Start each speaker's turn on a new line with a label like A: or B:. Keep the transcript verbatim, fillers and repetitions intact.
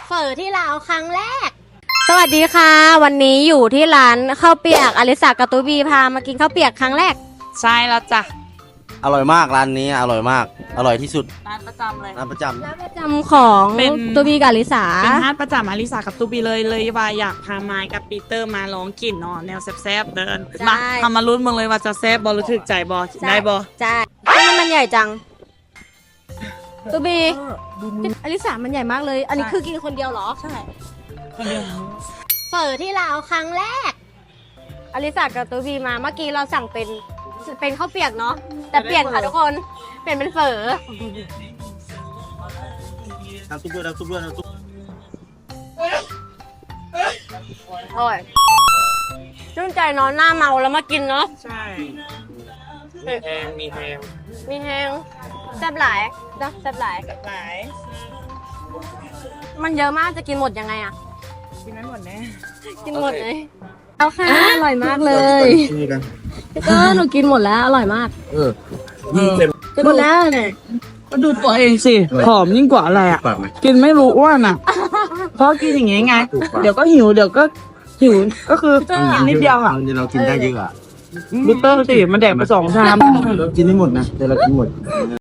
A: เฝอที่ลาวครั้งแรกสวัสดีค่ะวันนี้อยู่ที่ร้านข้าวเปียกอลิสากาตูบีพามากินข้าวเปียกครั้งแรก
B: ใช่แล้วจ้ะ
C: อร่อยมากร้านนี้อร่อยมากอร่อยที่สุด
B: ร้านประจำเลย
C: ร้านประจำ
A: ร้านประจำของตูบีกับอลิสา
B: เป็นร้านประจำอลิสากับตูบีเลยเลยว่าอยากพาไมค์กับปีเตอร์มาลองกินเนาะแนวแซ่บๆเดินมาทำมาลุ้นมึงเลยว่าจะแซ่บบอหรือถึกใจบอได้บอ
A: ใช่ทำไมมันใหญ่จังตูบีอลิสามันใหญ่มากเลยอันนี้คือกินคนเดียวเหรอใช่
B: คนเดียว
A: เฝอที่ลาวครั้งแรกอลิสากับตูบีมาเมื่อกี้เราสั่งเป็นเป็นข้าวเปียกเนาะแต่เปลี่ยนค่ะทุกคนเปลี่ยนเป็นเฝอ
C: น้ำซุปด้วยน้ำซุปด้วยน้ำซุป
A: อร่อยชื่นใจเนาะหน้าเมาแล้วมากินเนาะ
B: ใช่มีแฮงมีแฮง
A: มีแฮงแซ่บหลายนะแซ่บหลาย
B: หลาย
A: มันเยอะมากจะกินหมดยังไงอะ
B: กินไม่หมดแน่
A: กินหมดเลยเอาค่ะอร่อยมากเลยก็หนูกินหมดแล้วอร่อยมาก
C: เออยิ่งเต็ม
A: หมดแล้วเนี่ย
B: ก็ดูตัวเองสิผอมยิ่งกว่าอะไรอ่ะกินไม่รู้อ้วนอ่ะเพราะกินอย่างงี้ไงเดี๋ยวก็หิวเดี๋ยวก็หิวก็คือนิดเดียวอ่ะ
C: เรากินได้เยอะอ่ะ
B: บิเตอร์สิมันแดกไปสองชาม
C: เรากินไม่หมดนะแต่เรากินหมด